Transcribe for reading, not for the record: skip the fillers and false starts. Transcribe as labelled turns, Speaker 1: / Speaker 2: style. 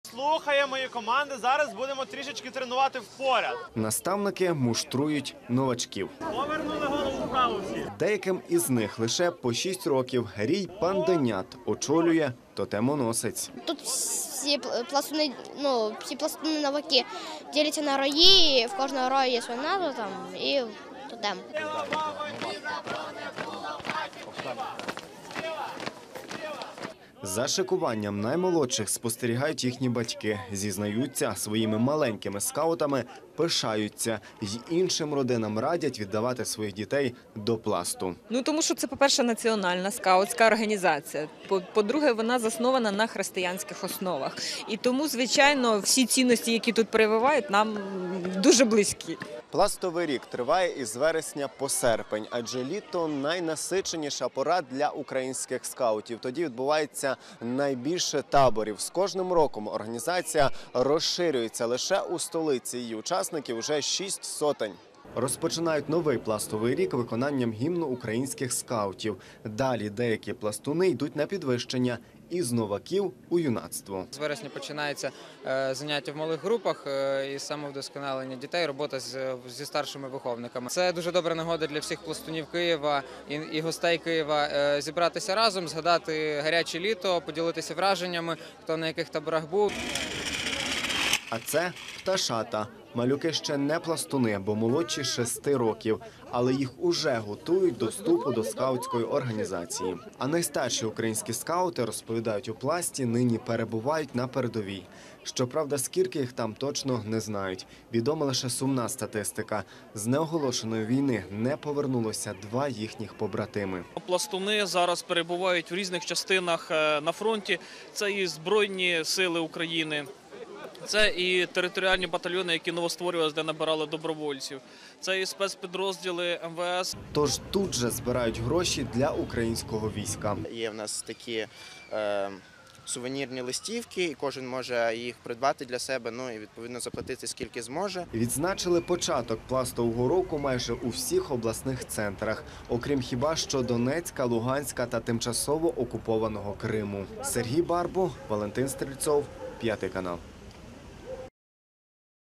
Speaker 1: Слухає мої команди, зараз будемо трішечки тренувати впоряд.
Speaker 2: Наставники муштрують новачків.
Speaker 1: Повернули голову вправо всі.
Speaker 2: Деяким із них лише по 6 років. Рій Панденят очолює тотемоносець.
Speaker 3: Тут всі пластуни, всі пластуни новаки діляться на рої, і в кожного рою є своя назва там і тотем.
Speaker 2: За шикуванням наймолодших спостерігають їхні батьки. Зізнаються, своїми маленькими скаутами пишаються. Й іншим родинам радять віддавати своїх дітей до пласту.
Speaker 4: Тому що це, по-перше, національна скаутська організація. По-друге, вона заснована на християнських основах. І тому, звичайно, всі цінності, які тут прививають, нам дуже близькі.
Speaker 2: Пластовий рік триває із вересня по серпень, адже літо – найнасиченіша пора для українських скаутів. Тоді відбувається найбільше таборів. З кожним роком організація розширюється. Лише у столиці її учасників вже 6 сотень. Розпочинають новий пластовий рік виконанням гімну українських скаутів. Далі деякі пластуни йдуть на підвищення із новаків у юнацтво.
Speaker 5: З вересня починаються заняття в малих групах і самовдосконалення дітей, робота зі старшими виховниками. Це дуже добра нагода для всіх пластунів Києва і гостей Києва зібратися разом, згадати гаряче літо, поділитися враженнями, хто на яких таборах був.
Speaker 2: А це пташата. Малюки ще не пластуни, бо молодші 6 років, але їх уже готують до вступу до скаутської організації. А найстарші українські скаути, розповідають у пласті, нині перебувають на передовій. Щоправда, скільки їх там точно не знають. Відома лише сумна статистика. З неоголошеної війни не повернулося 2 їхніх побратими.
Speaker 6: Пластуни зараз перебувають в різних частинах на фронті. Це і Збройні сили України. Це і територіальні батальйони, які новостворювалися, де набирали добровольців. Це і спецпідрозділи МВС.
Speaker 2: Тож тут же збирають гроші для українського війська.
Speaker 7: Є в нас такі сувенірні листівки, і кожен може їх придбати для себе, і відповідно заплатити скільки зможе.
Speaker 2: Відзначили початок пластового року майже у всіх обласних центрах, окрім хіба що Донецька, Луганська та тимчасово окупованого Криму. Сергій Барбу, Валентин Стрільцов, 5 канал.